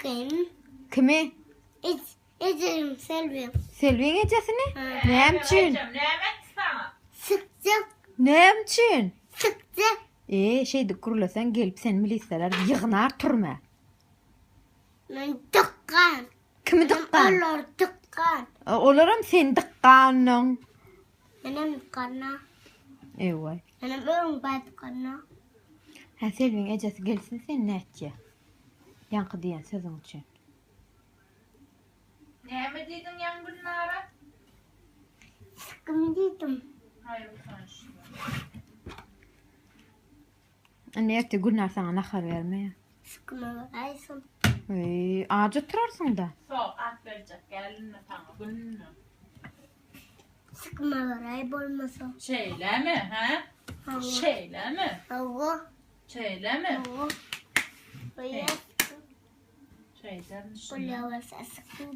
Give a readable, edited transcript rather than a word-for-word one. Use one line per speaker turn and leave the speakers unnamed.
Sıkayım.
Kimi?
Ecerim Selvi.
Selvi'nin ecesini? Näme üçin?
Sıkacak.
Näme üçin?
Sıkacak.
Şeydi kurulasan gelip sen milisalar yığınar turma.
Ben tıkkan.
Kimi dıkkan?
Onlar tıkkan.
Olaram sen dıkkanın.
Benim tıkkana.
Ewa.
Benim ölüm tıkkana.
Ha Selvi'nin ecesi gelsin sen näçe? Yankı diyen sözün üçün.
Näme diýdiň ýan günlara?
Sıkım dedim.
Hayır, bu sonuçta.
Anne erti günler sana nahar vermeye.
Sıkıma varayım.
Ağaca turarsın da.
Soğuk at verecek, gelinme sana, gününü.
Sıkıma varayım olmasa.
Şeyle mi, ha?
Hava.
Şeyle mi?
Hava.
Şeyle mi?
Hava. Buraya
Şeyden
buraya varsa sıkım